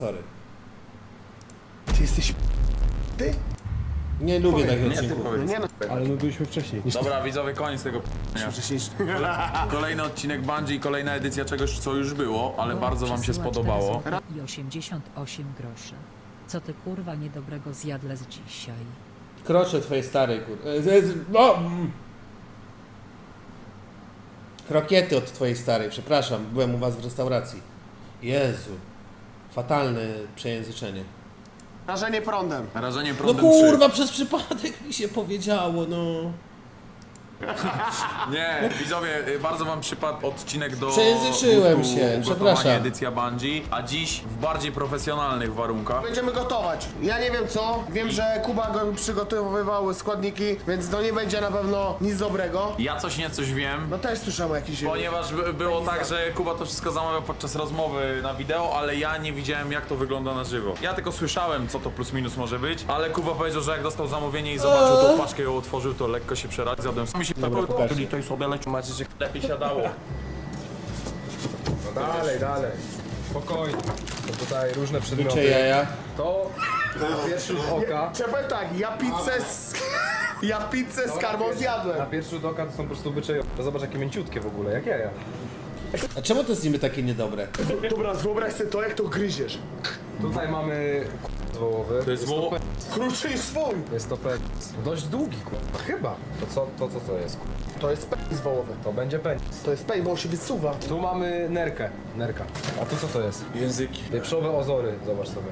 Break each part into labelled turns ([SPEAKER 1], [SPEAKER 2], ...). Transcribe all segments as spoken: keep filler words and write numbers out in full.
[SPEAKER 1] Sorry.
[SPEAKER 2] Ty jesteś ty?
[SPEAKER 1] Nie lubię takich
[SPEAKER 3] Nie, ty
[SPEAKER 1] odcinków.
[SPEAKER 2] No
[SPEAKER 3] powiedz.
[SPEAKER 2] nie no.
[SPEAKER 4] Ale my byliśmy wcześniej.
[SPEAKER 3] Dobra, widzowie, koniec tego p***nia.
[SPEAKER 2] Wcześniejszy.
[SPEAKER 3] Kolejny odcinek Bungie i kolejna edycja czegoś, co już było, ale bardzo wam się
[SPEAKER 5] Przesyła
[SPEAKER 3] spodobało.
[SPEAKER 5] cztery złote i osiemdziesiąt osiem groszy. Co ty kurwa niedobrego zjadłeś dzisiaj?
[SPEAKER 1] Krocze twojej starej, kur... e, z- z- No! mm. Krokiety od twojej starej, przepraszam, byłem u was w restauracji. Jezu. Fatalne przejęzyczenie.
[SPEAKER 2] Rażenie prądem.
[SPEAKER 3] Rażenie
[SPEAKER 1] No
[SPEAKER 3] prądem
[SPEAKER 1] kurwa, przez przypadek mi się powiedziało, no.
[SPEAKER 3] trzy. Nie, widzowie, y, bardzo wam przypadł odcinek do
[SPEAKER 1] Przejęzyczyłem
[SPEAKER 3] gustu
[SPEAKER 1] się,
[SPEAKER 3] ugotowania,
[SPEAKER 1] przepraszam.
[SPEAKER 3] edycja Bungie, a dziś w bardziej profesjonalnych warunkach.
[SPEAKER 2] Będziemy gotować. Ja nie wiem co. Wiem, że Kuba go przygotowywał składniki, więc to nie będzie na pewno nic dobrego.
[SPEAKER 3] Ja coś nie coś wiem.
[SPEAKER 2] No też słyszałem o jakiś...
[SPEAKER 3] Ponieważ by- było tak, że Kuba to wszystko zamawiał podczas rozmowy na wideo, ale ja nie widziałem, jak to wygląda na żywo. Ja tylko słyszałem, co to plus minus może być, ale Kuba powiedział, że jak dostał zamówienie i zobaczył tą paczkę, ją otworzył, to lekko się przeraził. Zjadłem mi się
[SPEAKER 1] Dobra, pokażcie.
[SPEAKER 3] czyli to jest sobie leci, macie się lepiej siadało.
[SPEAKER 4] No dalej, dalej. Spokojnie. To tutaj różne
[SPEAKER 1] Bycze
[SPEAKER 4] przedmioty.
[SPEAKER 1] jaja.
[SPEAKER 4] To na pierwszy rzut oka.
[SPEAKER 2] Trzeba tak, ja pizzę z... Ja pizzę z karmą
[SPEAKER 4] Na
[SPEAKER 2] zjadłem.
[SPEAKER 4] pierwszy rzut oka to są po prostu bycze jaja. To zobacz jakie mięciutkie w ogóle, jak jaja.
[SPEAKER 1] A czemu to jest niby takie niedobre?
[SPEAKER 2] Dobra, wyobraź sobie to, jak to gryziesz.
[SPEAKER 4] Tutaj mamy k***, wołowy.
[SPEAKER 3] To jest woło...
[SPEAKER 2] Krótszy niż swój.
[SPEAKER 4] Jest to penis. Dość długi, kurwa. Chyba. To co to, co to jest, kurwa?
[SPEAKER 2] To jest penis wołowy.
[SPEAKER 4] To będzie penis.
[SPEAKER 2] To jest penis, bo on się wysuwa.
[SPEAKER 4] Tu mamy nerkę. Nerka. A tu co to jest?
[SPEAKER 3] Języki.
[SPEAKER 4] Wieprzowe ozory. Zobacz sobie.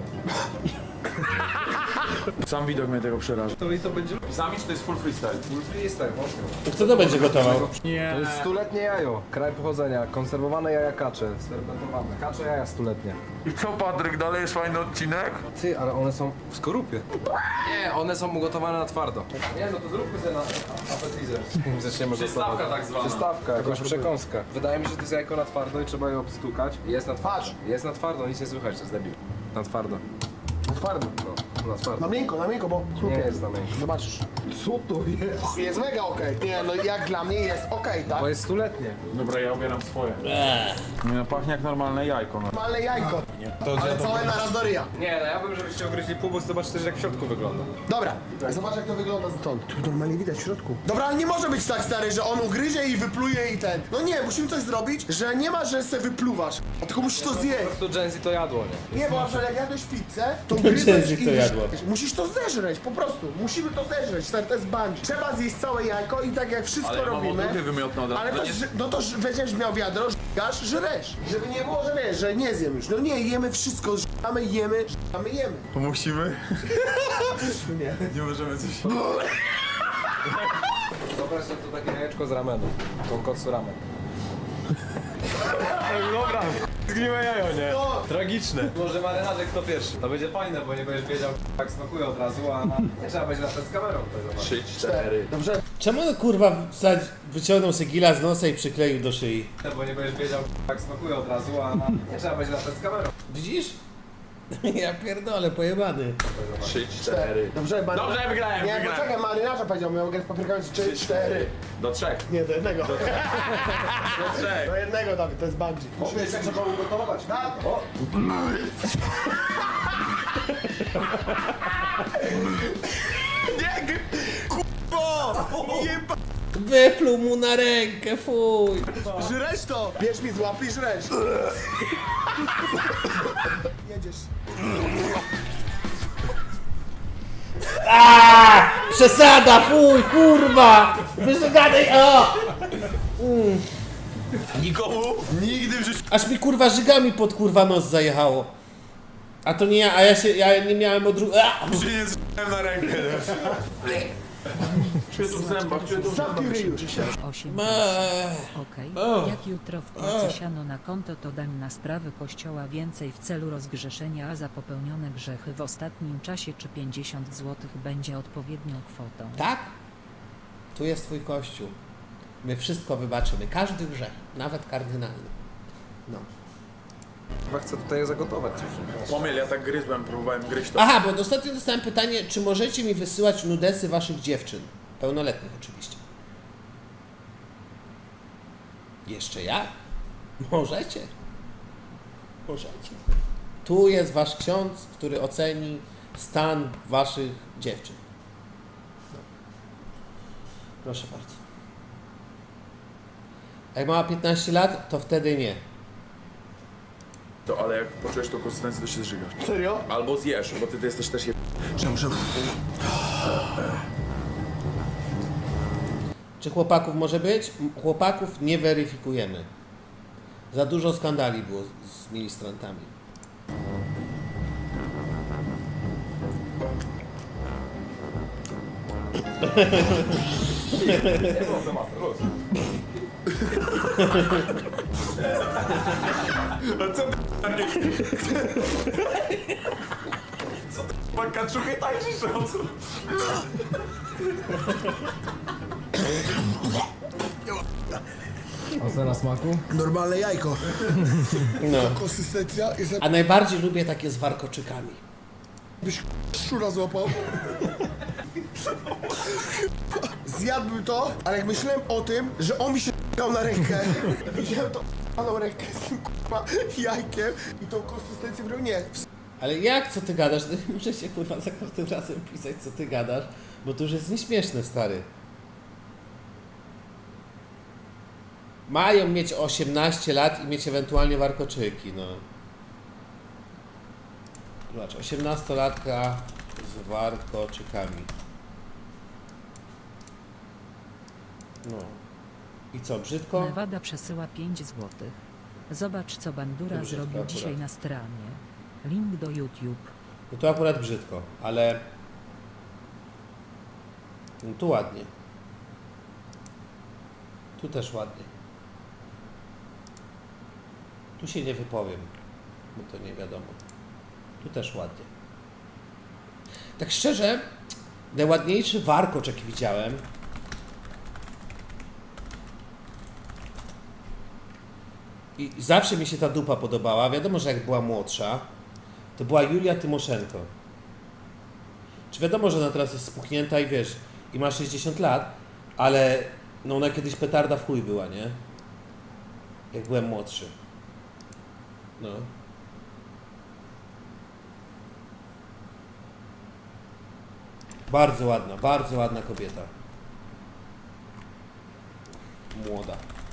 [SPEAKER 3] Sam widok mnie tego przeraża.
[SPEAKER 4] To i to będzie...
[SPEAKER 3] Sami czy to jest full freestyle?
[SPEAKER 4] Full freestyle, mocno.
[SPEAKER 1] To kto to będzie gotował?
[SPEAKER 3] Nie.
[SPEAKER 4] To jest stuletnie jajo. Kraj pochodzenia. Konserwowane jaja kacze. Sfermentowane. Kacze jaja stuletnie.
[SPEAKER 3] I co, Patryk, dalej jest fajny odcinek?
[SPEAKER 4] Ty, ale one są w skorupie. Nie, one są ugotowane na twardo. Nie, no to zróbmy sobie na appetizer. Zaczniemy
[SPEAKER 3] Przystawka
[SPEAKER 4] gotować.
[SPEAKER 3] tak zwana.
[SPEAKER 4] Przystawka, jakąś przekąskę. Wydaje mi się, że to jest jajko na twardo i trzeba je obstukać. Jest na twarz. Jest na twardo, nic nie słychać, to jest debil. Na twardo.
[SPEAKER 2] Twardo.
[SPEAKER 4] No, na twardo.
[SPEAKER 2] Na miękko, na miękko, bo
[SPEAKER 4] Nie
[SPEAKER 2] chrupie.
[SPEAKER 4] jest na miękko.
[SPEAKER 2] Zobaczysz. Co to jest? Jest mega okej. Nie, no jak dla mnie jest okej, tak?
[SPEAKER 4] Bo jest stuletnie.
[SPEAKER 3] Dobra, ja ubieram swoje. Nie no, pachnie jak normalne jajko. No.
[SPEAKER 2] Normalne jajko. Ale całe naraz do ryja.
[SPEAKER 4] Nie, no ja bym, żebyście ogryźli pół, bo zobaczysz też jak w środku wygląda.
[SPEAKER 2] Dobra, zobacz jak to wygląda stąd. Tu normalnie widać w środku. Dobra, ale nie może być tak stary, że on ugryzie i wypluje i ten. No nie, musimy coś zrobić, że nie ma, że se wypluwasz. Tylko musisz to
[SPEAKER 4] Po
[SPEAKER 2] zjeść.
[SPEAKER 4] prostu Gen Z to jadło, nie?
[SPEAKER 2] Nie, bo na przykład jak jadłeś pizzę, to
[SPEAKER 1] Gen
[SPEAKER 2] ugryzłeś
[SPEAKER 1] Z
[SPEAKER 2] i
[SPEAKER 1] to jadło.
[SPEAKER 2] musisz to zeżreć, po prostu. Musimy to zeżreć, stary, to jest bungee. Trzeba zjeść całe jajko i tak jak wszystko
[SPEAKER 3] Ale ja mam
[SPEAKER 2] robimy.
[SPEAKER 3] odruchy wymiotne od razu.
[SPEAKER 2] Ale to,
[SPEAKER 3] nie...
[SPEAKER 2] ż- no to ż- będziesz miał wiadro, żgasz, żresz. Żeby nie było, że wiesz, że nie zjem już. No nie, jemy wszystko, żgamy, jemy, żgamy, jemy.
[SPEAKER 3] To musimy? nie. Nie możemy coś...
[SPEAKER 4] Wyobraź sobie to takie jajeczko z ramenu. Tonkotsu ramen. Dobra, zgniłe jajo, nie?
[SPEAKER 2] No.
[SPEAKER 4] Tragiczne. Może marynarze kto pierwszy. To będzie fajne, bo nie będziesz wiedział jak smakuje od razu, a nie trzeba będzie latać z kamerą tutaj zobaczyć.
[SPEAKER 3] Trzy, cztery.
[SPEAKER 2] Dobrze,
[SPEAKER 1] Czemu on kurwa wsadź, wyciągnął sobie gila z nosa i przykleił do szyi?
[SPEAKER 4] Bo nie będziesz wiedział jak smakuje od razu, a nie trzeba będzie latać z kamerą.
[SPEAKER 1] Widzisz? Ja pierdolę, pojebany.
[SPEAKER 3] Trzy, cztery.
[SPEAKER 2] dobrze, mary...
[SPEAKER 3] Dobrze, wygrałem,
[SPEAKER 2] Nie,
[SPEAKER 3] wygrałem.
[SPEAKER 2] poczekaj, marynarza powiedział, miał grać z paprykami trzy, cztery.
[SPEAKER 3] Do trzech.
[SPEAKER 2] Nie, do jednego.
[SPEAKER 3] Do trzech.
[SPEAKER 2] Do jednego, Dawid, to jest bungee. Musimy jeszcze trzeba ugotować. Tak? O.
[SPEAKER 3] Nie, kurwa! Jeba!
[SPEAKER 1] Wypluł mu na rękę, fuj.
[SPEAKER 2] Żreć to! Bierz mi z łapy i żreć. Jedziesz.
[SPEAKER 1] Aaaa! Przesada, fuj, kurwa! Wyżegadaj, o!
[SPEAKER 3] Nikomu nigdy w życiu...
[SPEAKER 1] Aż mi kurwa żygami pod kurwa nos zajechało. A to nie ja, a ja się, ja nie miałem odru... A!
[SPEAKER 3] się nie z***łem na rękę. Czuję tu w zębach, czuję tu w zębach.
[SPEAKER 2] Zamknij ryj już.
[SPEAKER 5] osiem
[SPEAKER 1] Eee.
[SPEAKER 5] Okej.
[SPEAKER 1] O.
[SPEAKER 5] Jak jutro wpłacę siano na konto, to dam na sprawy kościoła więcej w celu rozgrzeszenia, a za popełnione grzechy w ostatnim czasie czy pięćdziesiąt złotych będzie odpowiednią kwotą.
[SPEAKER 1] Tak? Tu jest twój kościół. My wszystko wybaczymy, każdy grzech, nawet kardynalny. No.
[SPEAKER 4] Chyba chcę tutaj je zagotować.
[SPEAKER 3] Pomiel, ja tak gryzłem, próbowałem gryźć to.
[SPEAKER 1] Aha, bo ostatnio dostałem pytanie, czy możecie mi wysyłać nudesy waszych dziewczyn? Pełnoletnich oczywiście. Jeszcze ja? Możecie. Możecie. Tu jest wasz ksiądz, który oceni stan waszych dziewczyn. No. Proszę bardzo. Jak ma piętnaście lat, to wtedy nie.
[SPEAKER 3] To ale jak poczujesz tą konsystencję, to się zżygasz.
[SPEAKER 2] Serio?
[SPEAKER 3] Albo zjesz, bo ty, ty jesteś też je...
[SPEAKER 2] Czemu, czemu?
[SPEAKER 1] Czy chłopaków może być? M- Chłopaków nie weryfikujemy. Za dużo skandali było z, z ministrantami.
[SPEAKER 3] Pan kaczuchy tańczysz,
[SPEAKER 6] Ocena smaku?
[SPEAKER 2] Normalne jajko.
[SPEAKER 1] No.
[SPEAKER 2] Konsystencja jest
[SPEAKER 1] A najbardziej lubię takie z warkoczykami.
[SPEAKER 2] jakbyś szczura złapał. Zjadłbym to, ale jak myślałem o tym, że on mi się dał na rękę, widziałem to na rękę z tym kurwa jajkiem i tą konsystencję w nie.
[SPEAKER 1] Ale jak, co ty gadasz? Ty muszę się kurwa za każdym razem pisać, co ty gadasz, bo to już jest nieśmieszne, stary. Mają mieć osiemnaście lat i mieć ewentualnie warkoczyki, no. Zobacz, osiemnastolatka z warkoczykami. No. I co, brzydko?
[SPEAKER 5] Nevada przesyła pięć złotych. Zobacz, co Bandura
[SPEAKER 1] To brzydko
[SPEAKER 5] zrobił
[SPEAKER 1] akurat.
[SPEAKER 5] dzisiaj na stronie. Link do YouTube.
[SPEAKER 1] No to akurat brzydko, ale... No tu ładnie. Tu też ładnie. Tu się nie wypowiem, bo to nie wiadomo. Tu też ładnie. Tak szczerze, najładniejszy warkocz, jaki widziałem, i zawsze mi się ta dupa podobała. Wiadomo, że jak była młodsza, to była Julia Tymoszenko. Czy wiadomo, że ona teraz jest spuchnięta i wiesz, i ma sześćdziesiąt lat, ale no ona kiedyś petarda w chuj była, nie? Jak byłem młodszy. No. Bardzo ładna, bardzo ładna kobieta. Młoda.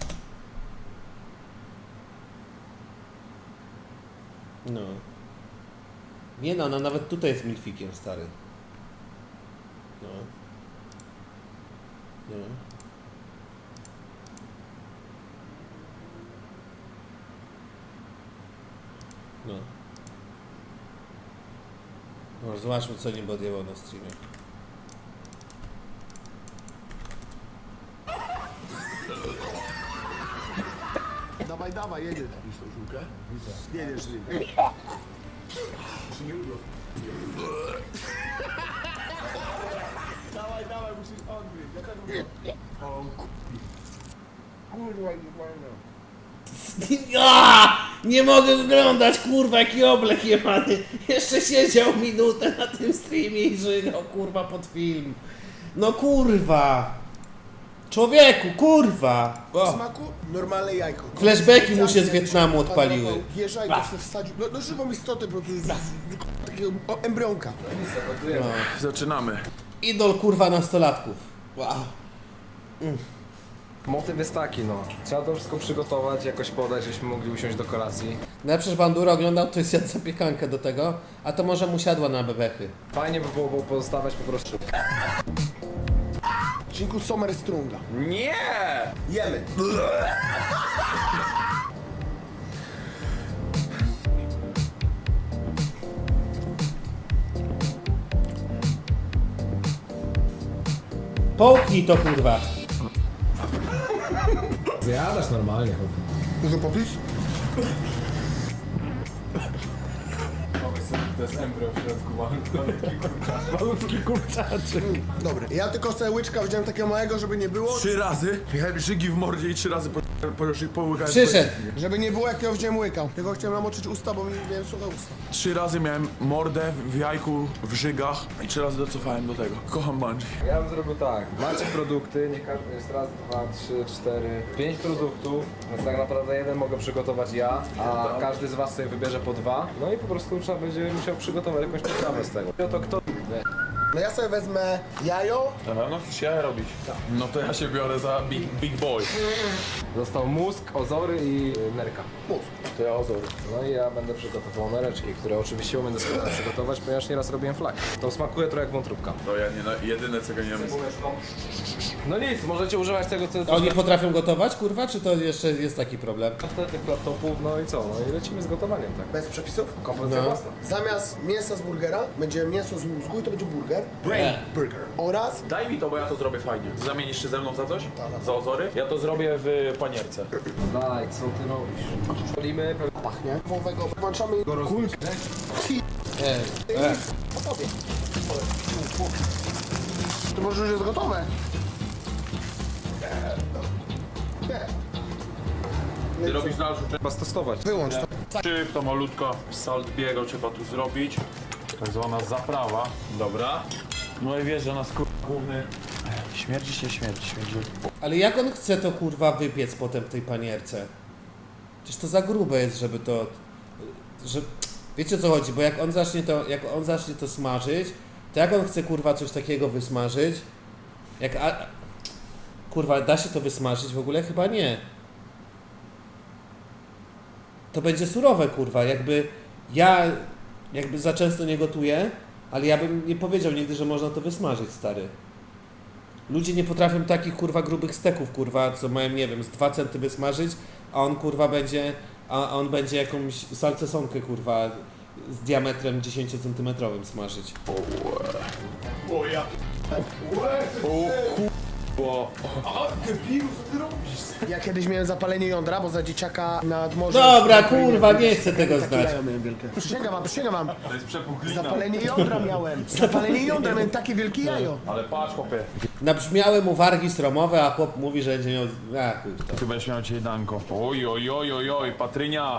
[SPEAKER 1] No. Nie no, ona nawet tutaj jest milfikiem, stary. No. No. No. No, zobaczmy, co nim odjęło na streamie.
[SPEAKER 2] Dawaj, dawaj, jedziesz. Widzisz tą żółkę? Jedziesz nim. Dawaj, dawaj, musisz odgryźć. Ja tak mówię. O kurwa, nie fajna.
[SPEAKER 1] Ja! Nie mogę oglądać, kurwa, jaki oblek jebany. Jeszcze siedział minutę na tym streamie i żygał, kurwa, pod film. No kurwa. Człowieku, kurwa.
[SPEAKER 2] W
[SPEAKER 1] O.
[SPEAKER 2] smaku normalne jajko.
[SPEAKER 1] Flashbacki mu się z Wietnamu odpaliły.
[SPEAKER 2] Bierze i to sobie wsadził. No, no żywą istotę po prostu. Takiego o, embrionka.
[SPEAKER 3] Zaczynamy.
[SPEAKER 1] Idol, kurwa, nastolatków. Wow.
[SPEAKER 4] Motyw jest taki, no. Trzeba to wszystko przygotować, jakoś podać, żebyśmy mogli usiąść do kolacji.
[SPEAKER 1] No ja przecież Bandura oglądał, to jest jadł zapiekankę do tego, a to może mu siadła na bebechy.
[SPEAKER 4] Fajnie by było, było pozostawać po prostu.
[SPEAKER 2] Cinku Sommer Strunga.
[SPEAKER 3] Nie!
[SPEAKER 2] Jemy.
[SPEAKER 1] Połknij to, kurwa.
[SPEAKER 6] Zjadasz normalnie, chłopie.
[SPEAKER 2] Dużo popis?
[SPEAKER 3] To jest embryo w środku, malutki kurczak.
[SPEAKER 6] Malutki kurczaczek.
[SPEAKER 2] Dobry. Ja tylko sobie łyczka wziąłem takiego małego, żeby nie było.
[SPEAKER 3] Trzy razy. Miałem żygi w mordzie i trzy razy po... Porusznik połykać.
[SPEAKER 1] Przyszedł.
[SPEAKER 2] Żeby nie było jak ja wziąłem łykał. Tylko chciałem namoczyć usta, bo mi miałem suche usta.
[SPEAKER 3] Trzy razy miałem mordę w jajku, w żygach i trzy razy docofałem do tego. Kocham bungee.
[SPEAKER 4] Ja bym zrobił tak. Macie produkty, nie każdy jest raz, dwa, trzy, cztery, pięć produktów, więc tak naprawdę jeden mogę przygotować ja, a każdy z was sobie wybierze po dwa. No i po prostu trzeba będzie musiał przygotować jakąś potrawę z tego. No to kto?
[SPEAKER 2] No ja sobie wezmę jajo.
[SPEAKER 3] Na pewno chcesz jaja robić? No to ja się biorę za big, big boy.
[SPEAKER 4] Został mózg, ozory i y, nerka.
[SPEAKER 2] Mózg.
[SPEAKER 3] To ja ozory.
[SPEAKER 4] No i ja będę przygotował nereczki, które oczywiście umiem doskonale przygotować, ponieważ nieraz robiłem flag. To smakuje trochę jak wątróbka.
[SPEAKER 3] To ja nie, na- jedyne czego nie wiem.
[SPEAKER 4] No nic, możecie używać tego, co jest
[SPEAKER 1] Oni potrafią gotować, kurwa, czy to jeszcze jest taki problem?
[SPEAKER 4] tych laptopów, no i co? No i lecimy z gotowaniem, tak?
[SPEAKER 2] Bez przepisów.
[SPEAKER 4] Kompozycja
[SPEAKER 1] No.
[SPEAKER 4] własna.
[SPEAKER 2] Zamiast mięsa z burgera będzie mięso z mózgu i to będzie burger. Brain burger. Oraz
[SPEAKER 3] Daj mi to, bo ja to zrobię fajnie. Zamienisz się ze mną za coś? Za ozory? Ja to zrobię w panierce.
[SPEAKER 4] Daj, co ty robisz? Szkolimy,
[SPEAKER 2] pachnie. Wołowego. Włączamy kulkę.
[SPEAKER 1] E, e.
[SPEAKER 2] To może już jest gotowe.
[SPEAKER 3] Ty robisz dalszą część.
[SPEAKER 4] trzeba stosować.
[SPEAKER 2] Wyłącz to.
[SPEAKER 3] Szybko, malutko. Salt biego trzeba tu zrobić. Tak zwana zaprawa. Dobra. No i wiesz, że nas kur... główny... Śmierdzi się, śmierdzi, śmierdzi.
[SPEAKER 1] Ale jak on chce to kurwa wypiec potem w tej panierce? Przecież to za grube jest, żeby to... Że... Wiecie o co chodzi, bo jak on zacznie to, jak on zacznie to smażyć, to jak on chce kurwa coś takiego wysmażyć? Jak a... Kurwa, da się to wysmażyć? W ogóle chyba nie. To będzie surowe kurwa, jakby ja jakby za często nie gotuję, ale ja bym nie powiedział nigdy, że można to wysmażyć, stary. Ludzie nie potrafią takich kurwa grubych steków, kurwa, co mają, nie wiem, z dwa centy wysmażyć, a on kurwa będzie, a on będzie jakąś salcesonkę kurwa z diametrem dziesięciocentymetrowym smażyć.
[SPEAKER 3] Bo...
[SPEAKER 2] Ja kiedyś miałem zapalenie jądra, bo za dzieciaka nad morzem...
[SPEAKER 1] Dobra, kurwa, nie chcę tego
[SPEAKER 2] Takie
[SPEAKER 1] znać.
[SPEAKER 2] jajo miałem wielkie. Przysięgam wam, przysięgam wam.
[SPEAKER 3] To jest przepuchlina.
[SPEAKER 2] Zapalenie jądra miałem. Zapalenie jądra, miałem takie wielkie jajo.
[SPEAKER 3] Ale patrz, chłopie.
[SPEAKER 1] Nabrzmiały mu wargi stromowe, a chłop mówi, że będzie miał... A, chuj w to.
[SPEAKER 3] Ty będziesz miał dzisiaj danko. Oj, oj, oj, oj, oj, Patrynia.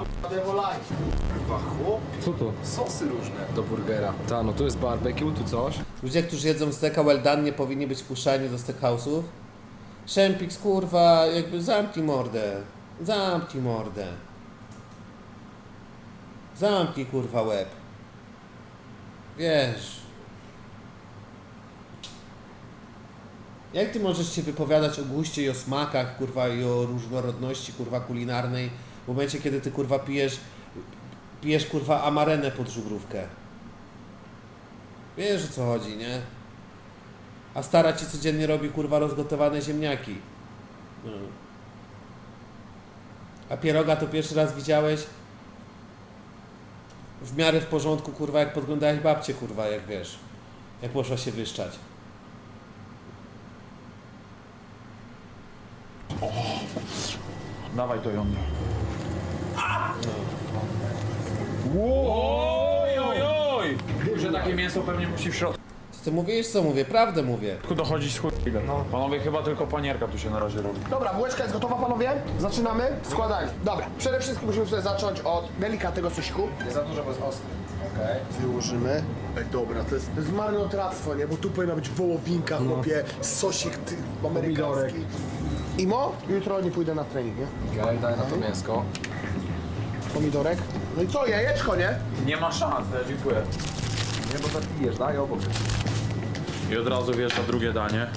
[SPEAKER 4] Co to? Sosy różne do burgera. Ta, no tu jest barbecue, tu coś.
[SPEAKER 1] Ludzie, którzy jedzą steka well done, nie powinni być wpuszczani do steakhouse'ów. Szempix, kurwa, jakby zamknij mordę. Zamknij mordę. Zamknij, kurwa, łeb. Wiesz. Jak ty możesz się wypowiadać o guście i o smakach, kurwa, i o różnorodności, kurwa, kulinarnej w momencie, kiedy ty, kurwa, pijesz, pijesz, kurwa, amarenę pod żubrówkę. Wiesz, o co chodzi, nie? A stara ci codziennie robi, kurwa, rozgotowane ziemniaki. No. A pieroga to pierwszy raz widziałeś w miarę w porządku, kurwa, jak podglądałeś babcię, kurwa, jak wiesz, jak poszła się wyszczać.
[SPEAKER 3] Dawaj to jądro. Oj, oj, oj! Że takie mięso pewnie musi w środku
[SPEAKER 1] Co ty mówisz? Co mówię? Prawdę mówię.
[SPEAKER 3] dochodzić z chuj. No. Panowie, chyba tylko panierka tu się na razie robi.
[SPEAKER 2] Dobra, bułeczka jest gotowa, panowie? Zaczynamy? Składanie. Dobra, przede wszystkim musimy sobie zacząć od delikatnego sosiku.
[SPEAKER 4] Nie za dużo, bo jest ostry. Okej.
[SPEAKER 2] Wyłożymy. Ej, dobra, to jest, to jest marnotrawstwo, nie? Bo tu powinna być wołowinka, chłopie, sosik ty, amerykański. Imo, jutro nie pójdę na trening, nie?
[SPEAKER 4] Okej, daj na to mięsko.
[SPEAKER 2] Pomidorek. No i co, jajeczko, nie?
[SPEAKER 3] Nie ma szans, ja dziękuję.
[SPEAKER 4] Nie, bo zapijesz, daj obok.
[SPEAKER 3] I od razu wiesz na drugie danie.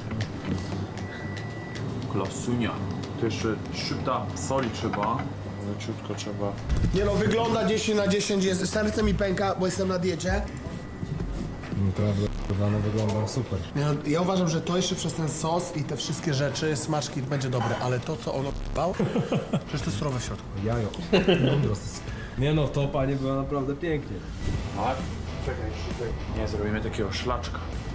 [SPEAKER 3] Klasunia. To jeszcze szybta soli trzeba. Leciutko trzeba.
[SPEAKER 2] Nie no, wygląda dziesięć na dziesięć, jest, serce mi pęka, bo jestem na diecie.
[SPEAKER 6] Naprawdę, kurwa, no wyglądał super.
[SPEAKER 2] Nie no, ja uważam, że to jeszcze przez ten sos i te wszystkie rzeczy, smaczki będzie dobre, ale to co ono bał, przecież to jest surowe w środku.
[SPEAKER 6] Jajo. Mądro. Nie no, to panie było naprawdę pięknie.
[SPEAKER 3] Tak? Czekaj, szybko. Nie, zrobimy takiego szlaczka.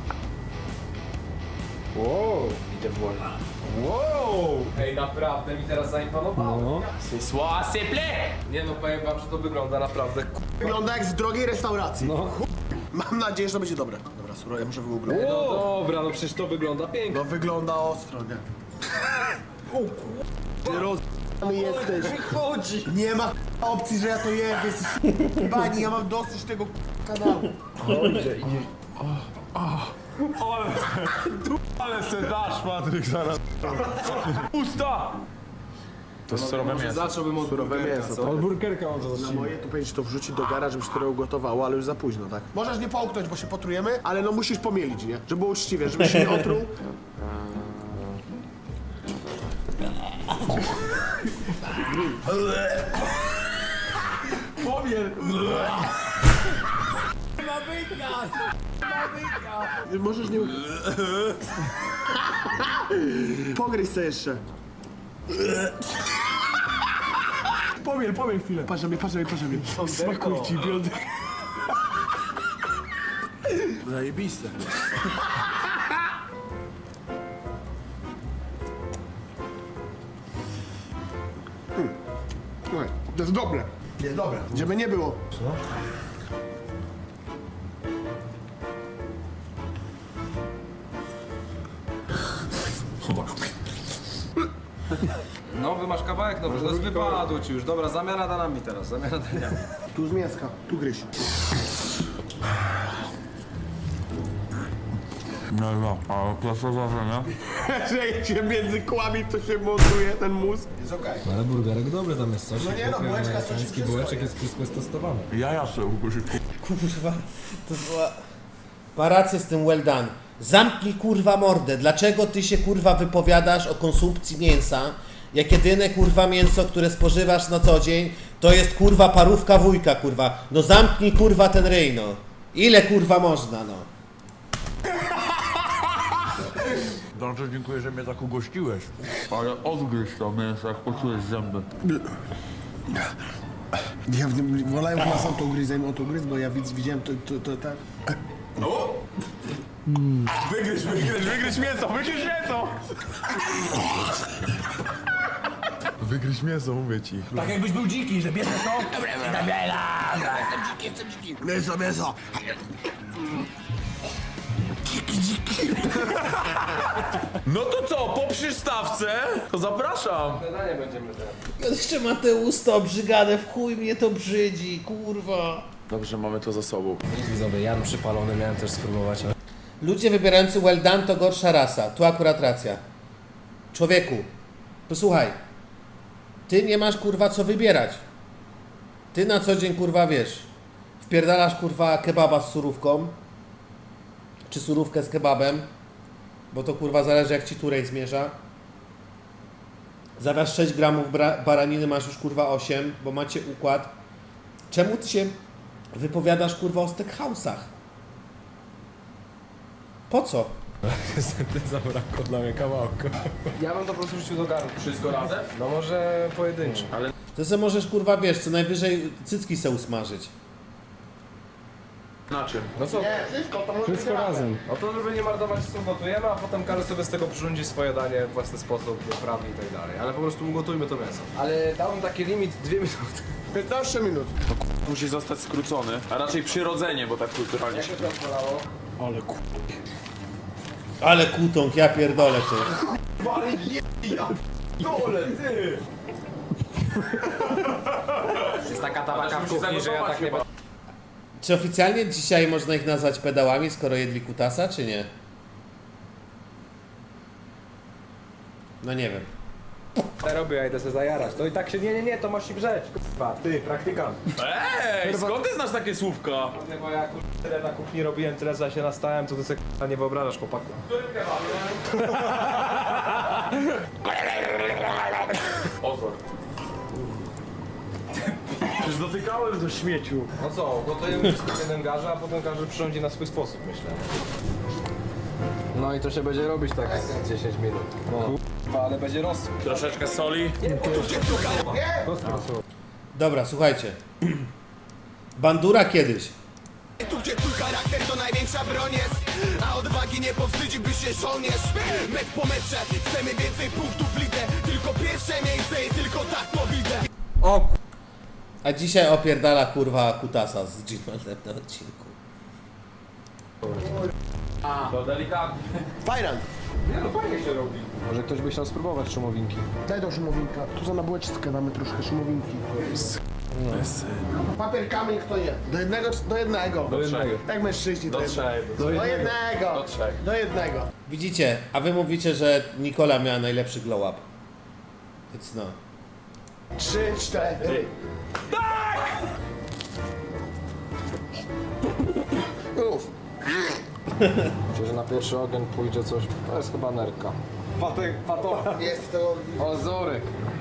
[SPEAKER 4] Wow!
[SPEAKER 3] I te voilà.
[SPEAKER 4] Wow! Ej, naprawdę mi teraz zaimponowało.
[SPEAKER 6] No.
[SPEAKER 3] C'est soit, c'est plaît!
[SPEAKER 4] Nie no, powiem wam, że to wygląda naprawdę ku...
[SPEAKER 2] Wygląda jak w drogiej restauracji.
[SPEAKER 6] No.
[SPEAKER 2] Mam nadzieję, że to będzie dobre. Dobra, surowe, ja muszę wygooglować.
[SPEAKER 4] No dobra, no przecież to wygląda pięknie.
[SPEAKER 2] No wygląda ostro, nie? k***ny jesteś.
[SPEAKER 4] Chodzi!
[SPEAKER 2] Nie ma k***a opcji, że ja to jem, ty jesteś bani, ja mam dosyć tego k***a kanału.
[SPEAKER 4] Idzie, idzie.
[SPEAKER 3] Ale se dasz, Patryk, zaraz. Usta! To jest surowe
[SPEAKER 4] Może
[SPEAKER 3] mięso.
[SPEAKER 4] zacząłbym od
[SPEAKER 2] Surowe
[SPEAKER 4] burgerka,
[SPEAKER 2] mięso,
[SPEAKER 4] co?
[SPEAKER 2] tak.
[SPEAKER 4] Od burgerka może
[SPEAKER 2] Na
[SPEAKER 4] zacznijmy.
[SPEAKER 2] moje to powinieneś to wrzucić do gara, żeby się to ugotowało, ale już za późno, tak? Możesz nie połknąć, bo się potrujemy, ale no musisz pomielić, nie? Żeby było uczciwie, żeby się nie otruł.
[SPEAKER 3] Pomiel!
[SPEAKER 2] Możesz nie... Pogryź se jeszcze. Pomiel, pomiel chwilę. Patrz na mnie, patrz na mnie, patrz na mnie. Smakuj ci, biodry. Zajebiste. Hmm. Słuchaj, to jest dobre. Jest dobre. Żeby nie było.
[SPEAKER 4] No, wy masz kawałek, dobrze, to jest wypadł ci już. Dobra, zamiana danami teraz, zamiana danami.
[SPEAKER 2] Tu z mięska, tu gryź.
[SPEAKER 3] No no, ale klasa zażenia.
[SPEAKER 2] Że się między kłami to się montuje ten mózg. Jest okej.
[SPEAKER 6] Ale burgerek dobry tam jest coś.
[SPEAKER 2] No nie no, bułeczka, coś
[SPEAKER 6] Amerykański
[SPEAKER 2] wszystko
[SPEAKER 6] bułeczek
[SPEAKER 2] jest.
[SPEAKER 6] jest wszystko jest testowane.
[SPEAKER 3] Jaja se użyć.
[SPEAKER 1] Kurwa, to była... Ma rację z tym well done. Zamknij kurwa mordę. Dlaczego ty się kurwa wypowiadasz o konsumpcji mięsa, jak jedyne kurwa mięso, które spożywasz na co dzień, to jest kurwa parówka wujka kurwa. No zamknij kurwa ten ryj no. Ile kurwa można no.
[SPEAKER 3] Bardzo dziękuję, że mnie tak ugościłeś. Ale odgryź to mięso, jak poczujesz zęby.
[SPEAKER 2] Ja wolałem na sam to ugryźć, zanim on to ugryzł, bo ja widz, widziałem to, to, to tak.
[SPEAKER 3] Wygryź, wygryź, wygryź mięso, wygryź mięso! Wygryź mięso, mówię ci.
[SPEAKER 7] Tak jakbyś był dziki, że bierzesz to.
[SPEAKER 2] Mięso, mięso!
[SPEAKER 3] No to co, po przystawce? To zapraszam.
[SPEAKER 4] Danie będziemy teraz.
[SPEAKER 1] Jeszcze ma te usta obrzygane, w chuj mnie to brzydzi, kurwa.
[SPEAKER 3] Dobrze, mamy to za sobą.
[SPEAKER 6] Widzowie, Jan przypalony, miałem też spróbować, ale...
[SPEAKER 1] Ludzie wybierający well done to gorsza rasa. Tu akurat racja. Człowieku, posłuchaj. Ty nie masz kurwa co wybierać. Ty na co dzień kurwa wiesz. Wpierdalasz kurwa kebaba z surówką. Czy surówkę z kebabem. Bo to kurwa zależy jak ci turej zmierza. Zamiast sześć gramów bra- baraniny masz już kurwa osiem, bo macie układ. Czemu ty się wypowiadasz kurwa o steakhouse'ach? Po co?
[SPEAKER 6] Niestety zabrakło dla mnie kawałka.
[SPEAKER 4] Ja bym to po prostu rzucił do garnka.
[SPEAKER 3] Wszystko razem?
[SPEAKER 4] No może pojedynczo.
[SPEAKER 1] To sobie możesz kurwa wiesz, co najwyżej cycki se usmażyć.
[SPEAKER 3] Na czym?
[SPEAKER 4] No co?
[SPEAKER 2] Wszystko, to może
[SPEAKER 4] Wszystko razem. No to żeby nie marnować czasu gotujemy, a potem każdy sobie z tego przyrządzi swoje danie w własny sposób, wyprawi i tak dalej. Ale po prostu ugotujmy to mięso. Ale dałbym taki limit dwie minuty.
[SPEAKER 2] piętnaście minut.
[SPEAKER 3] Musi zostać skrócony, a raczej przyrodzenie, bo tak kulturalnie się...
[SPEAKER 4] Jak to bolało?
[SPEAKER 2] Ale ku...
[SPEAKER 1] Ale kutąg, ja pierdolę ty.
[SPEAKER 3] Dole, ty!
[SPEAKER 4] Jest taka tabaka w kuchni, że ja tak nie będę.
[SPEAKER 1] Czy oficjalnie dzisiaj można ich nazwać pedałami, skoro jedli kutasa, czy nie? No nie wiem.
[SPEAKER 4] robię, ja idę sobie zajarać. To i tak się, nie, nie, nie, to masz się brzeć. Kurwa, ty, praktykant.
[SPEAKER 3] Ej, skąd ty znasz takie słówka?
[SPEAKER 4] Nie, bo ja kurwa, tyle na kuchni robiłem, tyle za się nastałem, to ty sobie kurwa, nie wyobrażasz, chłopaku.
[SPEAKER 3] Ozor. Już dotykałem do śmieciu.
[SPEAKER 4] No co, gotujemy wszystko w jednym garze, a potem każdy przyrządzi na swój sposób, myślę. No i to się będzie robić tak dziesięć minut. No. Kurwa, ale będzie rosół.
[SPEAKER 3] Troszeczkę soli.
[SPEAKER 1] Dobra, słuchajcie. Bandura kiedyś.
[SPEAKER 8] Tu gdzie twój charakter to największa broń jest, a odwagi nie powstydziłby się żołnierz. Metr po metrze, chcemy więcej punktów w lidze, tylko pierwsze miejsce i tylko tak to widzę.
[SPEAKER 4] O
[SPEAKER 1] A dzisiaj opierdala kurwa kutasa z G-Manem na odcinku.
[SPEAKER 3] To delikatnie.
[SPEAKER 2] Fajran.
[SPEAKER 4] Nie no, fajnie się robi. Może ktoś by chciał spróbować szumowinki.
[SPEAKER 2] Daj do szumowinka. Tu za na bułeczkę damy troszkę szumowinki. Papier, kamień, kto je? Do jednego, czy do jednego?
[SPEAKER 4] Do jednego.
[SPEAKER 2] Jak mężczyźni
[SPEAKER 3] Do
[SPEAKER 2] to jednego.
[SPEAKER 3] trzech.
[SPEAKER 2] Do jednego.
[SPEAKER 3] Do trzech.
[SPEAKER 2] Do jednego.
[SPEAKER 1] Widzicie, a wy mówicie, że Nikola miała najlepszy glow up. Więc no.
[SPEAKER 2] Trzy, cztery. Tak! Uff.
[SPEAKER 4] Myślę, że na pierwszy ogień pójdzie coś... To jest chyba nerka. Patek, pato.
[SPEAKER 2] Jest to...
[SPEAKER 4] Ozorek.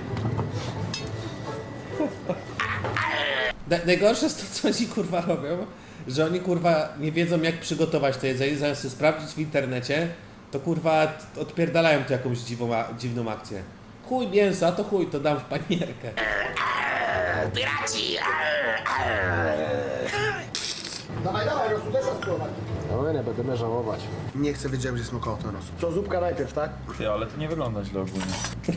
[SPEAKER 1] Na- Najgorsze jest to, co oni kurwa robią, że oni kurwa nie wiedzą jak przygotować to jedzenie, zamiast sobie sprawdzić w internecie, to kurwa t- odpierdalają tu jakąś dziwą, a- dziwną akcję. Chuj mięsa, to chuj, to dam w panierkę.
[SPEAKER 2] Dawaj, dawaj, rosół, też raz spróbować.
[SPEAKER 4] No nie będziemy żałować.
[SPEAKER 2] Nie chcę wiedzieć, gdzie smakował ten rosół. Co, zupka najpierw, tak?
[SPEAKER 3] Ty, ale to nie wygląda źle ogólnie.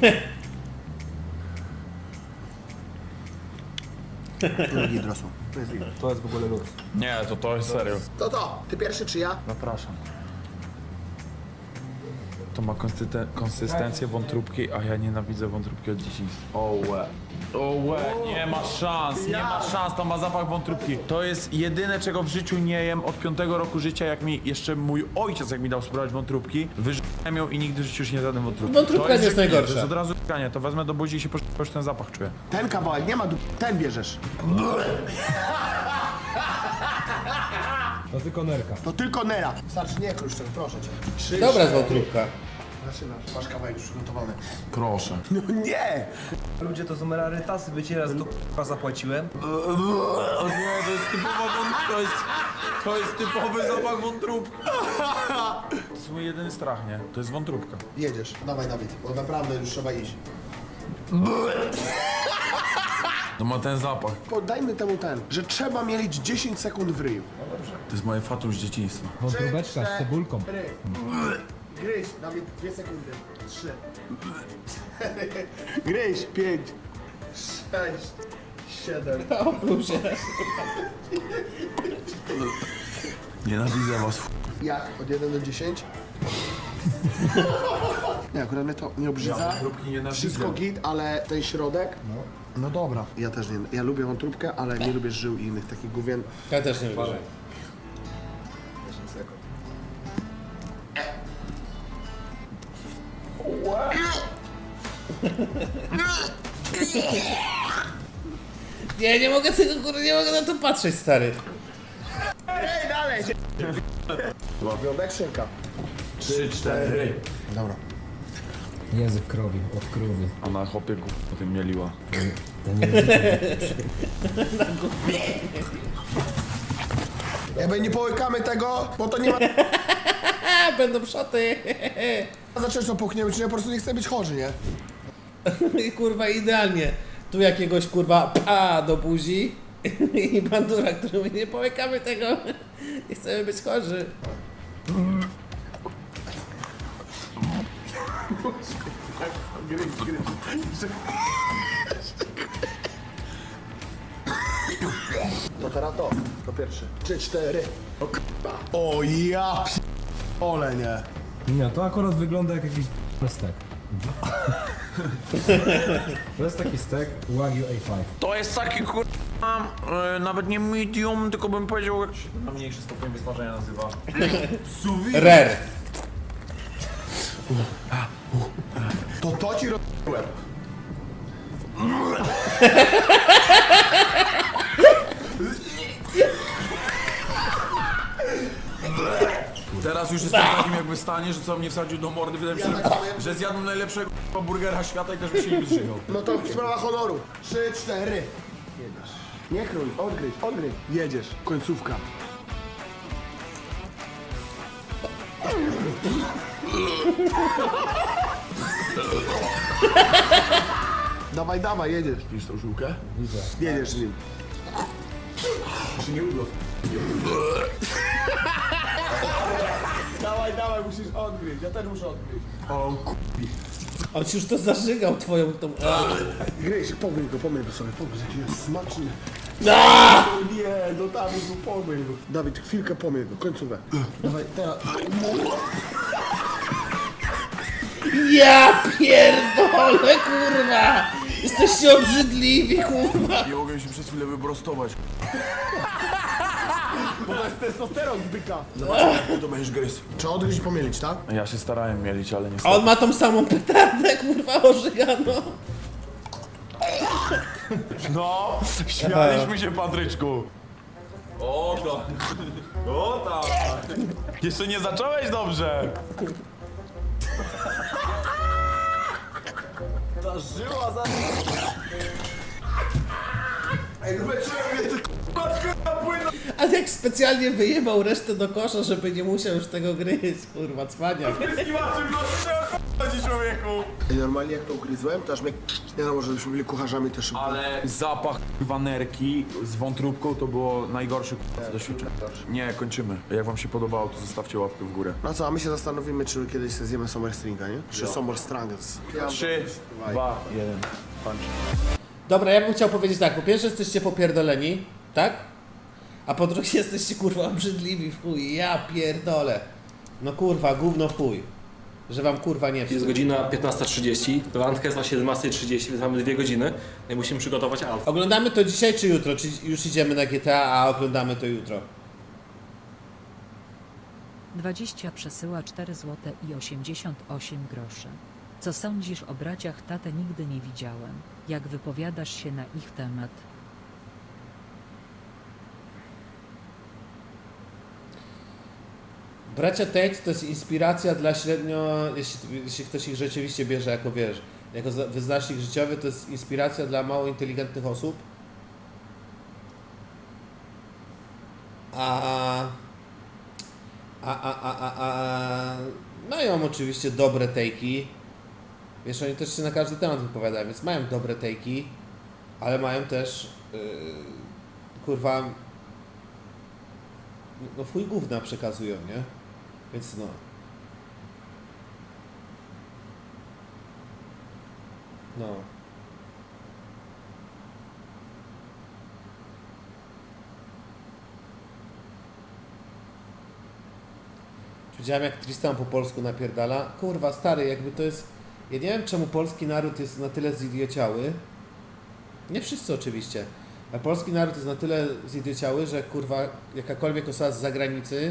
[SPEAKER 2] To jest git rosół. To jest git.
[SPEAKER 4] To jest w ogóle luz.
[SPEAKER 3] Nie, to to jest serio.
[SPEAKER 2] To to, ty pierwszy czy ja?
[SPEAKER 3] Zapraszam. To ma konsysten- konsystencję wątróbki, a ja nienawidzę wątróbki od dzieciństwa. O łe. O łe, nie ma szans, nie ma szans, to ma zapach wątróbki. To jest jedyne, czego w życiu nie jem od piątego roku życia, jak mi jeszcze mój ojciec, jak mi dał spróbować wątróbki, wyżyłem ją i nigdy w życiu już nie zjadłem wątróbki.
[SPEAKER 1] Wątróbka
[SPEAKER 3] To
[SPEAKER 1] nie jest
[SPEAKER 3] żyganie,
[SPEAKER 1] najgorsza.
[SPEAKER 3] To jest od razu żyganie, to wezmę do buzi i się poszukam, już ten zapach czuję.
[SPEAKER 2] Ten kawałek, nie ma du... ten bierzesz.
[SPEAKER 6] To tylko nerka.
[SPEAKER 2] To tylko nera. Starczy, nie krusz tego, proszę cię. Trzy,
[SPEAKER 1] Dobra
[SPEAKER 2] cztery.
[SPEAKER 1] zwątróbka.
[SPEAKER 2] Zaczynasz, masz kawałek już przygotowany.
[SPEAKER 3] Proszę.
[SPEAKER 2] No nie!
[SPEAKER 7] Ludzie to są rarytasy, wiecie, raz to k***a zapłaciłem.
[SPEAKER 3] O nie, to jest typowa wątróbka, to jest, to jest typowy zapach wątróbki. To jest mój jedyny strach, nie? To jest wątróbka.
[SPEAKER 2] Jedziesz. Dawaj, Dawid, bo naprawdę już trzeba iść.
[SPEAKER 3] To ma ten zapach.
[SPEAKER 2] Podajmy temu ten, że trzeba mielić dziesięć sekund w ryju.
[SPEAKER 3] To jest moje fatum z dzieciństwa.
[SPEAKER 6] Wątróbeczka z cebulką.
[SPEAKER 2] Ry. Gryź, Dawid, dwie sekundy. Trzy. Cztery. Gryź, pięć. Sześć. Siedem.
[SPEAKER 1] Opluł się.
[SPEAKER 3] Nienawidzę was.
[SPEAKER 2] Jak? Od jeden do dziesięć? Nie, akurat mnie to nie obrzydza.
[SPEAKER 3] wątróbki nienawidzę.
[SPEAKER 2] Wszystko git, ale ten środek... No. No dobra. Ja też nie. Ja lubię wątróbkę, ale nie lubię żył i innych takich gówien.
[SPEAKER 1] Ja też nie wierzę.
[SPEAKER 2] dziesięć sekund.
[SPEAKER 1] Nie, nie mogę tego kurwa, nie mogę na to patrzeć, stary.
[SPEAKER 2] Ej, dalej! Wiąbek, szynka.
[SPEAKER 3] Trzy, cztery.
[SPEAKER 2] Dobra.
[SPEAKER 6] Język krowi, od krowy.
[SPEAKER 3] A na chopie go potem mieliła.
[SPEAKER 6] Ten język.
[SPEAKER 2] Jakby nie połykamy tego, bo to nie ma...
[SPEAKER 1] A, będą szoty.
[SPEAKER 2] Zacząć to puchniemy, czy ja po prostu nie chcę być chorzy, nie?
[SPEAKER 1] I kurwa idealnie. Tu jakiegoś kurwa pa do buzi i bandura, który mówi, nie połykamy tego. Nie chcemy być chorzy.
[SPEAKER 2] To teraz to, to pierwszy. Trzy, cztery. O k***a. O ja p... Ole, nie.
[SPEAKER 6] Nie, to akurat wygląda jak jakiś stek. To jest taki stek Wagyu A pięć.
[SPEAKER 3] To jest taki kurwa, e, nawet nie medium, tylko bym powiedział jak się na mniejszy stopień wysmażenia nazywa.
[SPEAKER 1] Rare.
[SPEAKER 2] To to ci robiłem.
[SPEAKER 3] Teraz już jestem w takim jakby stanie, że co mnie wsadził do mordy, wydaje mi się, że, że zjadłem najlepszego kurwa, burgera świata i też by się nie wyżył.
[SPEAKER 2] No to sprawa honoru. Trzy, cztery. Jedziesz. Nie krój, odgryź, odgryź. Jedziesz, końcówka. Dawaj, dawaj, jedziesz. Widzisz tą żółkę?
[SPEAKER 6] Widzę.
[SPEAKER 2] Jedziesz z nim. Czy nie udło? Dawaj, dawaj, musisz odgryźć. Ja też muszę odgryźć. O kupi.
[SPEAKER 1] On ci już to zażygał twoją tą... A.
[SPEAKER 2] Gryź, pomyj go, pomyj go sobie, pomyj, jaki jest smaczny.
[SPEAKER 1] No!
[SPEAKER 2] O nie, no Dawid, no pomyj go. Dawid, chwilkę pomyj go, końcówę. Dawaj, teraz.
[SPEAKER 1] Ja pierdolę, kurwa! Jesteście obrzydliwi, kurwa!
[SPEAKER 8] Nie mogę się przez chwilę wyprostować.
[SPEAKER 2] Bo to jest testosteron z byka.
[SPEAKER 8] Zobacz, jak ty to będziesz gryźć.
[SPEAKER 2] Trzeba odgryźć i pomielić, tak?
[SPEAKER 3] Ja się starałem mielić, ale
[SPEAKER 1] A
[SPEAKER 3] niestety.
[SPEAKER 1] on ma tą samą petardę, kurwa, ożygano.
[SPEAKER 3] No, śmialiśmy się, Patryczku. O tak. O tak. Jeszcze nie zacząłeś dobrze.
[SPEAKER 8] Ta żyła za... Ej, leczyłem mnie, ty k***a płyną.
[SPEAKER 1] A jak specjalnie wyjebał resztę do kosza, żeby nie musiał już tego gryźć, kurwa, cwaniak.
[SPEAKER 3] Wyskiwaczem no co chodzi, człowieku.
[SPEAKER 2] Ej, normalnie jak to ugryzłem, to aż mnie... Nie no, może byśmy byli kucharzami też.
[SPEAKER 3] Ale zapach wanerki z wątróbką to było najgorsze co doświadczenie. Nie, kończymy. Jak wam się podobało, to zostawcie łapkę w górę.
[SPEAKER 2] No co, a my się zastanowimy, czy kiedyś sobie zjemy Summer Stringa, nie? Czy Summer Strangers.
[SPEAKER 3] Trzy, dwa, jeden. Punch.
[SPEAKER 1] Dobra, ja bym chciał powiedzieć tak, po pierwsze jesteście popierdoleni, tak? A po drugie jesteście, kurwa, obrzydliwi w chuj, ja pierdolę. No kurwa, gówno w chuj. Że wam kurwa nie
[SPEAKER 6] Jest
[SPEAKER 1] wstyd.
[SPEAKER 6] godzina piętnasta trzydzieści, randka jest na siedemnasta trzydzieści, więc mamy dwie godziny. No i musimy przygotować alfę.
[SPEAKER 1] Oglądamy to dzisiaj czy jutro? Czy już idziemy na G T A, a oglądamy to jutro?
[SPEAKER 5] dwadzieścia przesyła cztery złote i osiemdziesiąt osiem groszy. Co sądzisz o braciach Tate? Nigdy nie widziałem. Jak wypowiadasz się na ich temat?
[SPEAKER 1] Bracia Tate to jest inspiracja dla średnio, jeśli, jeśli ktoś ich rzeczywiście bierze jako, wiesz, jako za- wyznacznik życiowy, to jest inspiracja dla mało inteligentnych osób. A, a, a, a, a, a mają oczywiście dobre tejki. Wiesz, oni też się na każdy temat wypowiadają, więc mają dobre tejki, ale mają też, yy, kurwa, no w chuj gówna przekazują, nie? Więc no. No. Widziałem jak Tristan po polsku napierdala. Kurwa, stary, jakby to jest... Ja nie wiem, czemu polski naród jest na tyle zidiociały. Nie wszyscy oczywiście. A polski naród jest na tyle zidiociały, że kurwa, jakakolwiek osoba z zagranicy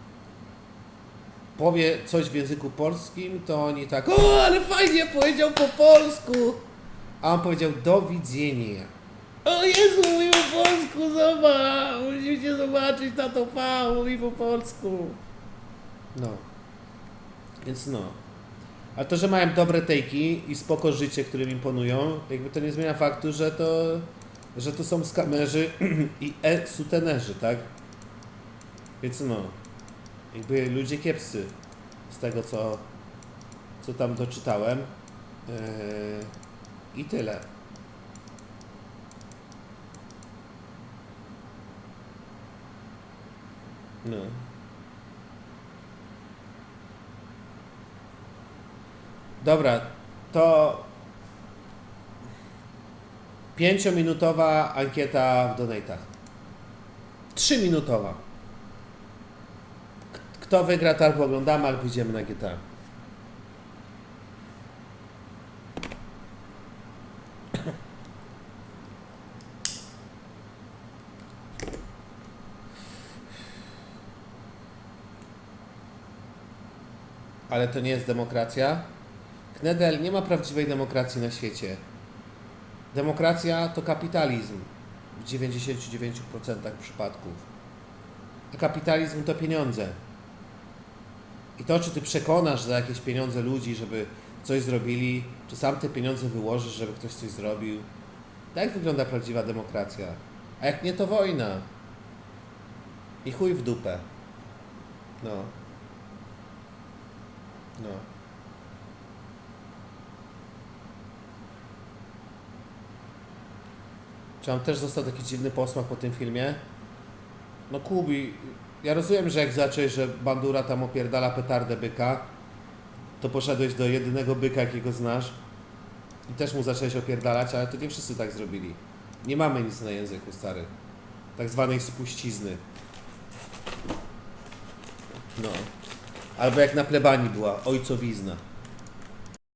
[SPEAKER 1] powie coś w języku polskim, to oni tak, o, ale fajnie powiedział po polsku. A on powiedział, do widzenia. O Jezu, mówi po polsku, zobacz, musicie zobaczyć, tato V, mówi po polsku. No. Więc no. A to, że mają dobre tejki i spoko życie, którym imponują, jakby to nie zmienia faktu, że to, że to są skamerzy i e-sutenerzy, tak? Więc no. Jakby ludzie kiepscy z tego, co, co tam doczytałem. Yy, I tyle. No. Dobra, to pięciominutowa ankieta w donatach. Trzyminutowa. K- Kto wygra, to albo oglądamy, albo idziemy na G T A. Ale to nie jest demokracja. Knedel, nie ma prawdziwej demokracji na świecie. Demokracja to kapitalizm w dziewięćdziesięciu dziewięciu procentach przypadków. A kapitalizm to pieniądze. I to, czy ty przekonasz za jakieś pieniądze ludzi, żeby coś zrobili, czy sam te pieniądze wyłożysz, żeby ktoś coś zrobił. Tak wygląda prawdziwa demokracja. A jak nie, to wojna. I chuj w dupę. No. No. Czy on też został taki dziwny posmak po tym filmie? No Kubi, ja rozumiem, że jak zacząłeś, że Bandura tam opierdala petardę byka, to poszedłeś do jedynego byka, jakiego znasz i też mu zacząłeś opierdalać, ale to nie wszyscy tak zrobili. Nie mamy nic na języku, stary. Tak zwanej spuścizny. No. Albo jak na plebanii była, ojcowizna.